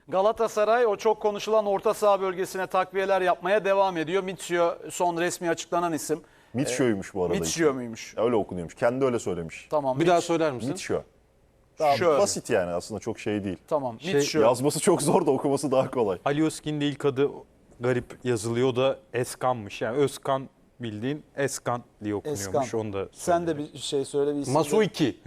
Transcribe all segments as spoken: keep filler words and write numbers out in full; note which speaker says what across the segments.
Speaker 1: Galatasaray o çok konuşulan orta saha bölgesine takviyeler yapmaya devam ediyor. Mitsio son resmi açıklanan isim.
Speaker 2: Mitsio'ymuş bu arada.
Speaker 1: Mitsio muymuş?
Speaker 2: Öyle okunuyormuş. Kendi öyle söylemiş.
Speaker 1: Tamam.
Speaker 3: Bir
Speaker 1: Mitch-
Speaker 3: daha söyler misin?
Speaker 2: Mitsio. Daha
Speaker 1: Şöyle.
Speaker 2: basit yani, aslında çok şey değil.
Speaker 1: Tamam.
Speaker 3: Şey-
Speaker 1: Mitsio.
Speaker 2: Yazması çok zor da okuması daha kolay.
Speaker 3: Alioskin de ilk adı garip yazılıyor, o da Eskan'mış. Yani Özkan bildiğin Eskan diye okunuyormuş.
Speaker 1: Eskan.
Speaker 3: Onu da
Speaker 1: Sen de
Speaker 3: söyleyeyim.
Speaker 1: bir şey söyle. Bir isim de.
Speaker 3: Masuiki.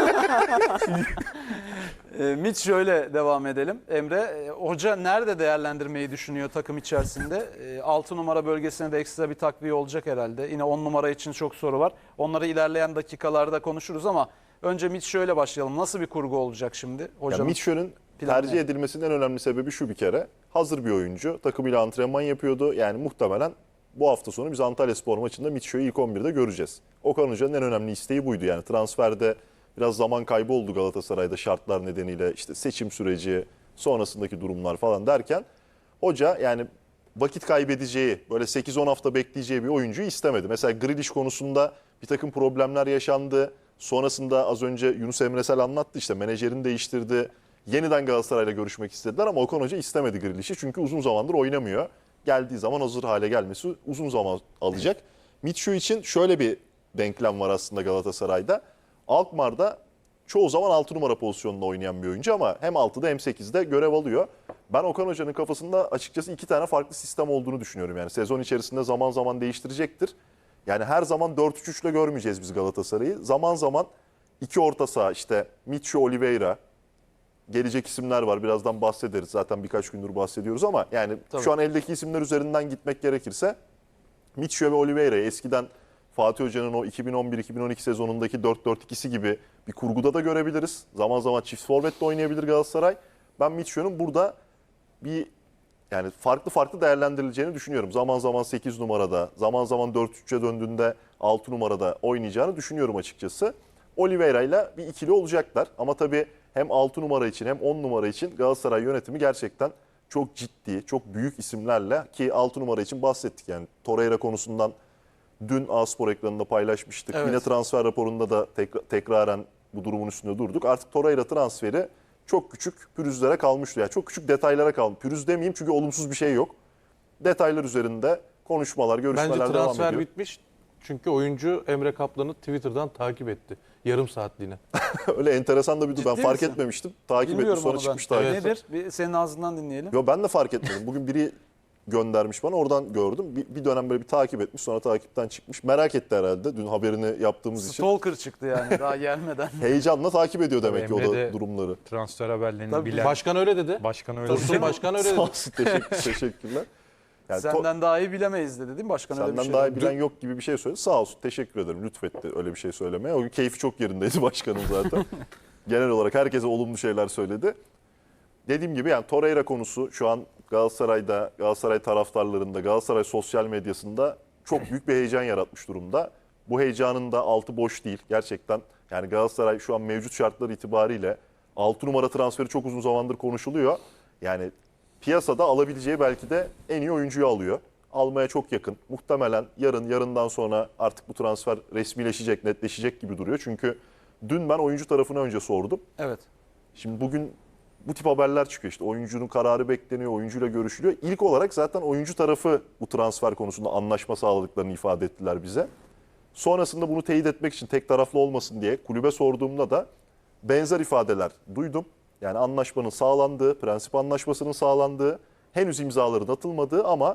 Speaker 1: E, Mitsio ile devam edelim. Emre, e, hoca nerede değerlendirmeyi düşünüyor takım içerisinde? altı numara bölgesine de ekstra bir takviye olacak herhalde. Yine on numara için çok soru var. Onları ilerleyen dakikalarda konuşuruz ama önce Mitsio ile başlayalım. Nasıl bir kurgu olacak şimdi
Speaker 2: Yani
Speaker 1: hocam?
Speaker 2: Mitsio'nun
Speaker 1: planı
Speaker 2: tercih
Speaker 1: ne?
Speaker 2: edilmesinin en önemli sebebi şu bir kere. Hazır bir oyuncu. Takımıyla antrenman yapıyordu. Yani muhtemelen bu hafta sonu biz Antalyaspor maçında Mitsio'yu ilk on birde göreceğiz. Okan Hoca'nın en önemli isteği buydu. Yani transferde biraz zaman kaybı oldu Galatasaray'da şartlar nedeniyle, işte seçim süreci, sonrasındaki durumlar falan derken hoca yani vakit kaybedeceği, böyle sekiz on hafta bekleyeceği bir oyuncuyu istemedi. Mesela Grealish konusunda bir takım problemler yaşandı. Sonrasında az önce Yunus Emresel anlattı, işte menajerini değiştirdi. Yeniden Galatasaray'la görüşmek istediler ama Okan Hoca istemedi Grealish'i çünkü uzun zamandır oynamıyor. Geldiği zaman hazır hale gelmesi uzun zaman alacak. Mitsio için şöyle bir denklem var aslında Galatasaray'da. Alkmaar'da çoğu zaman altı numara pozisyonunda oynayan bir oyuncu ama hem altıda hem sekizde görev alıyor. Ben Okan Hoca'nın kafasında açıkçası iki tane farklı sistem olduğunu düşünüyorum. Yani sezon içerisinde zaman zaman değiştirecektir. Yani her zaman dört üç üç ile görmeyeceğiz biz Galatasaray'ı. Zaman zaman iki orta saha, işte Mitsio, Oliveira, gelecek isimler var. Birazdan bahsederiz. Zaten birkaç gündür bahsediyoruz ama yani
Speaker 1: Tabii.
Speaker 2: şu an eldeki isimler üzerinden gitmek gerekirse Mitsio ve Oliveira'yı eskiden Fatih Hoca'nın o iki bin on bir iki bin on iki sezonundaki dört dört ikisi gibi bir kurguda da görebiliriz. Zaman zaman çift forvet de oynayabilir Galatasaray. Ben Mitsio'nun burada bir yani farklı farklı değerlendirileceğini düşünüyorum. Zaman zaman sekiz numarada, zaman zaman dört üç üçe döndüğünde altı numarada oynayacağını düşünüyorum açıkçası. Oliveira ile bir ikili olacaklar. Ama tabii hem altı numara için hem on numara için Galatasaray yönetimi gerçekten çok ciddi, çok büyük isimlerle, ki altı numara için bahsettik. Yani Torreira konusundan dün A-Spor ekranında paylaşmıştık.
Speaker 1: Evet.
Speaker 2: Yine transfer raporunda da tekrar, tekraren bu durumun üstünde durduk. Artık Torreira transferi çok küçük pürüzlere kalmıştı. Yani çok küçük detaylara kalmış. Pürüz demeyeyim çünkü olumsuz bir şey yok. Detaylar üzerinde konuşmalar, görüşmeler
Speaker 4: Bence
Speaker 2: devam
Speaker 4: transfer
Speaker 2: ediyor.
Speaker 4: bitmiş. Çünkü oyuncu Emre Kaplan'ı Twitter'dan takip etti. Yarım saatliğine.
Speaker 2: Öyle enteresan da bir durum. Ben
Speaker 1: Ciddi
Speaker 2: fark
Speaker 1: misin?
Speaker 2: etmemiştim. Takip etmiş,
Speaker 1: Bilmiyorum
Speaker 2: sonra
Speaker 1: onu ben.
Speaker 2: çıkmış takip.
Speaker 4: Evet.
Speaker 1: Nedir? Bir senin ağzından dinleyelim.
Speaker 2: Yo, ben de fark etmedim. Bugün biri göndermiş bana, oradan gördüm. Bir, bir dönem böyle bir takip etmiş, sonra takipten çıkmış. Merak etti herhalde dün haberini yaptığımız için.
Speaker 1: Stalker çıktı yani daha gelmeden.
Speaker 2: Heyecanla takip ediyor demek ki o
Speaker 3: Emre
Speaker 2: da
Speaker 3: de-
Speaker 2: durumları.
Speaker 3: Transfer haberlerini
Speaker 1: Tabii.
Speaker 3: bilen
Speaker 4: Başkan öyle dedi.
Speaker 3: başkan öyle
Speaker 4: Dursun
Speaker 3: dedi.
Speaker 4: Başkan öyle
Speaker 2: Sağ
Speaker 4: dedi.
Speaker 2: olsun, teşekkür, teşekkürler. Yani to-
Speaker 1: Senden daha iyi bilemeyiz dedi değil mi başkan? Öyle bir
Speaker 2: senden
Speaker 1: şey
Speaker 2: daha
Speaker 1: dedi.
Speaker 2: iyi bilen yok gibi bir şey söyledi. Sağ olsun, teşekkür ederim. Lütfetti öyle bir şey söylemeye. O gün keyfi çok yerindeydi başkanım zaten. Genel olarak herkese olumlu şeyler söyledi. Dediğim gibi yani Torreira konusu şu an Galatasaray'da, Galatasaray taraftarlarında, Galatasaray sosyal medyasında çok büyük bir heyecan yaratmış durumda. Bu heyecanın da altı boş değil gerçekten. Yani Galatasaray şu an mevcut şartlar itibariyle altı numara transferi çok uzun zamandır konuşuluyor. Yani piyasada alabileceği belki de en iyi oyuncuyu alıyor. Almaya çok yakın. Muhtemelen yarın, yarından sonra artık bu transfer resmileşecek, netleşecek gibi duruyor. Çünkü dün ben oyuncu tarafına önce sordum.
Speaker 1: Evet.
Speaker 2: Şimdi bugün bu tip haberler çıkıyor, işte oyuncunun kararı bekleniyor, oyuncuyla görüşülüyor. İlk olarak zaten oyuncu tarafı bu transfer konusunda anlaşma sağladıklarını ifade ettiler bize. Sonrasında bunu teyit etmek için tek taraflı olmasın diye kulübe sorduğumda da benzer ifadeler duydum. Yani anlaşmanın sağlandığı, prensip anlaşmasının sağlandığı, henüz imzaların atılmadığı ama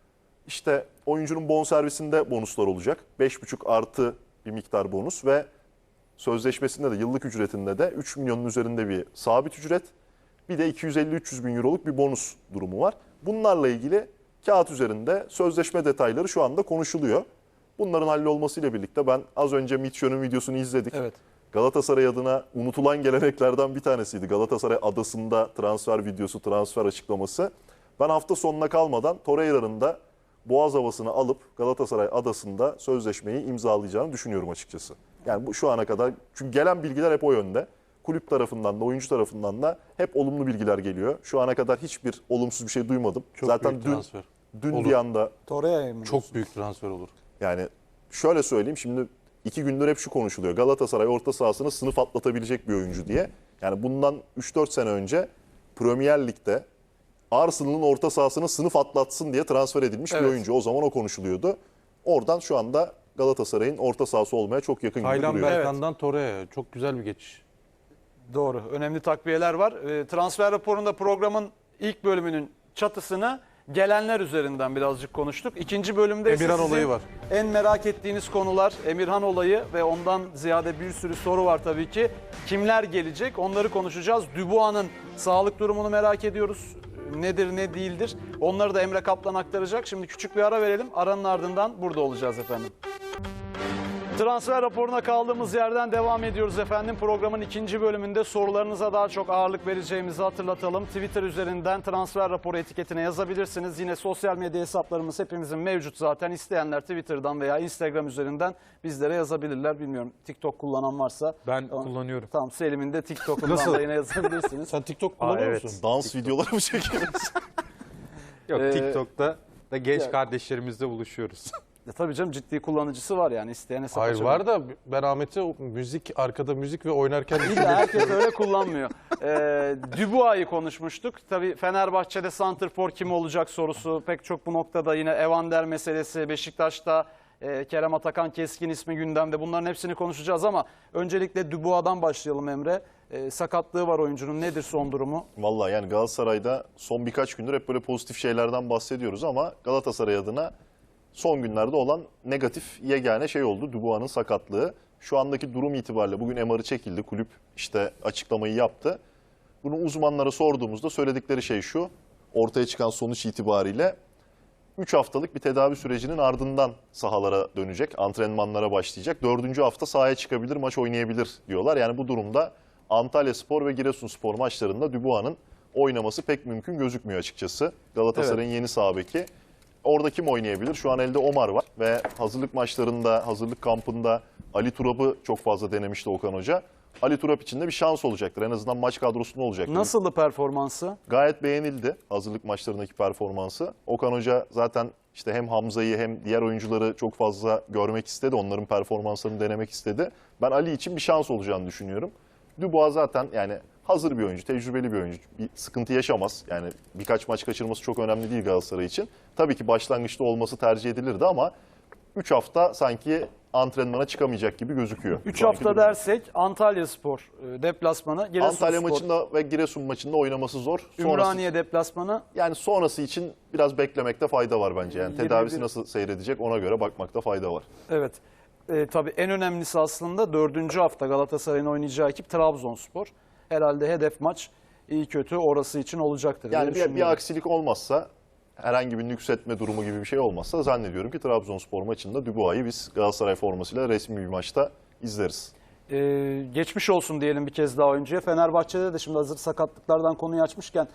Speaker 2: işte oyuncunun bonservisinde bonuslar olacak. beş buçuk artı bir miktar bonus ve sözleşmesinde de yıllık ücretinde de üç milyonun üzerinde bir sabit ücret. Bir de iki yüz elli üç yüz bin euroluk bir bonus durumu var. Bunlarla ilgili kağıt üzerinde sözleşme detayları şu anda konuşuluyor. Bunların hallolmasıyla birlikte ben az önce Mitsio'nun videosunu izledik.
Speaker 1: Evet.
Speaker 2: Galatasaray adına unutulan geleneklerden bir tanesiydi. Galatasaray adasında transfer videosu, transfer açıklaması. Ben hafta sonuna kalmadan Torreira'nın da Boğaz havasını alıp Galatasaray adasında sözleşmeyi imzalayacağını düşünüyorum açıkçası. Yani bu şu ana kadar, çünkü gelen bilgiler hep o yönde. Kulüp tarafından da oyuncu tarafından da hep olumlu bilgiler geliyor. Şu ana kadar hiçbir olumsuz bir şey duymadım.
Speaker 4: Çok
Speaker 2: Zaten
Speaker 4: büyük
Speaker 2: dün
Speaker 4: transfer.
Speaker 2: dün
Speaker 4: Olur.
Speaker 2: bir anda
Speaker 1: Torreira'yı mı?
Speaker 4: Çok büyük transfer olur.
Speaker 2: yani şöyle söyleyeyim, şimdi iki gündür hep şu konuşuluyor. Galatasaray orta sahasını sınıf atlatabilecek bir oyuncu diye. Yani bundan üç dört sene önce Premier Lig'de Arsenal'ın orta sahasına sınıf atlatsın diye transfer edilmiş
Speaker 1: Evet.
Speaker 2: bir oyuncu. O zaman o konuşuluyordu. Oradan şu anda Galatasaray'ın orta sahası olmaya çok yakın gibi
Speaker 4: Taylan
Speaker 2: duruyor.
Speaker 4: Berkan'dan Torre'ye çok güzel bir geçiş.
Speaker 1: Doğru. Önemli takviyeler var. E, transfer raporunda programın ilk bölümünün çatısını gelenler üzerinden birazcık konuştuk. İkinci bölümde ise
Speaker 4: Emirhan
Speaker 1: sizin
Speaker 4: olayı var.
Speaker 1: en merak ettiğiniz konular Emirhan olayı ve ondan ziyade bir sürü soru var tabii ki. Kimler gelecek onları konuşacağız. Dubois'ın sağlık durumunu merak ediyoruz. Nedir ne değildir. Onları da Emre Kaplan aktaracak. Şimdi küçük bir ara verelim. Aranın ardından burada olacağız efendim. Transfer raporuna kaldığımız yerden devam ediyoruz efendim. Programın ikinci bölümünde sorularınıza daha çok ağırlık vereceğimizi hatırlatalım. Twitter üzerinden transfer raporu etiketine yazabilirsiniz. Yine sosyal medya hesaplarımız hepimizin mevcut zaten. İsteyenler Twitter'dan veya Instagram üzerinden bizlere yazabilirler. Bilmiyorum TikTok kullanan varsa.
Speaker 3: Ben
Speaker 1: Tamam.
Speaker 3: kullanıyorum.
Speaker 1: Tamam, Selim'in de TikTok'undan
Speaker 4: Nasıl?
Speaker 1: da yine yazabilirsiniz.
Speaker 4: Sen TikTok kullanıyor
Speaker 3: evet.
Speaker 4: musun?
Speaker 2: Dans videoları mı çekiyoruz?
Speaker 3: Yok
Speaker 1: Ee,
Speaker 3: TikTok'ta da genç
Speaker 1: ya-
Speaker 3: kardeşlerimizle buluşuyoruz.
Speaker 1: E, tabii canım, ciddi kullanıcısı var yani, isteyen hesap
Speaker 4: Hayır
Speaker 1: açabilir.
Speaker 4: var da ben Ahmet'e o müzik, arkada müzik ve oynarken
Speaker 1: İyi de herkes öyle kullanmıyor. Ee, Dubois'ı konuşmuştuk. Tabii Fenerbahçe'de santrfor kim olacak sorusu pek çok bu noktada, yine Evander meselesi, Beşiktaş'ta e, Kerem Atakan Keskin ismi gündemde. Bunların hepsini konuşacağız ama öncelikle Dubois'dan başlayalım Emre. E, sakatlığı var oyuncunun. Nedir son durumu?
Speaker 2: Vallahi yani Galatasaray'da son birkaç gündür hep böyle pozitif şeylerden bahsediyoruz ama Galatasaray adına son günlerde olan negatif yegane şey oldu. Dubois'ın sakatlığı. Şu andaki durum itibariyle bugün M R'ı çekildi. Kulüp işte açıklamayı yaptı. Bunu uzmanlara sorduğumuzda söyledikleri şey şu. Ortaya çıkan sonuç itibariyle üç haftalık bir tedavi sürecinin ardından sahalara dönecek. Antrenmanlara başlayacak. dördüncü hafta sahaya çıkabilir, maç oynayabilir diyorlar. Yani bu durumda Antalyaspor ve Giresunspor maçlarında Dubois'ın oynaması pek mümkün gözükmüyor açıkçası. Galatasaray'ın yeni sağ beki. Orada kim oynayabilir? Şu an elde Omar var ve hazırlık maçlarında, hazırlık kampında Ali Turap'ı çok fazla denemişti Okan Hoca. Ali Turap için de bir şans olacaktır. En azından maç kadrosunda olacaktır.
Speaker 1: Nasıldı performansı?
Speaker 2: Gayet beğenildi hazırlık maçlarındaki performansı. Okan Hoca zaten işte hem Hamza'yı hem diğer oyuncuları çok fazla görmek istedi. Onların performanslarını denemek istedi. Ben Ali için bir şans olacağını düşünüyorum. Dubois zaten yani hazır bir oyuncu, tecrübeli bir oyuncu. Bir sıkıntı yaşamaz. Yani birkaç maç kaçırması çok önemli değil Galatasaray için. Tabii ki başlangıçta olması tercih edilirdi ama üç hafta sanki antrenmana çıkamayacak gibi gözüküyor.
Speaker 1: üç
Speaker 2: Şu anki
Speaker 1: hafta
Speaker 2: durum.
Speaker 1: dersek Antalyaspor e, deplasmanı, Giresunspor,
Speaker 2: Antalya maçında ve Giresun maçında oynaması zor. Sonrası,
Speaker 1: Ümraniye deplasmanı.
Speaker 2: yani sonrası için biraz beklemekte fayda var bence. Yani
Speaker 1: yirmi bir
Speaker 2: tedavisi nasıl seyredecek ona göre bakmakta fayda var.
Speaker 1: Evet. E, tabii en önemlisi aslında dördüncü hafta Galatasaray'ın oynayacağı ekip Trabzonspor. Herhalde hedef maç iyi kötü orası için olacaktır diye
Speaker 2: Yani bir, bir
Speaker 1: düşünüyorum.
Speaker 2: aksilik olmazsa, herhangi bir nüksetme durumu gibi bir şey olmazsa zannediyorum ki Trabzonspor maçında Dubois'ı biz Galatasaray formasıyla resmi bir maçta izleriz.
Speaker 1: Ee, geçmiş olsun diyelim bir kez daha oyuncuya. Fenerbahçe'de de şimdi hazır sakatlıklardan konuyu açmışken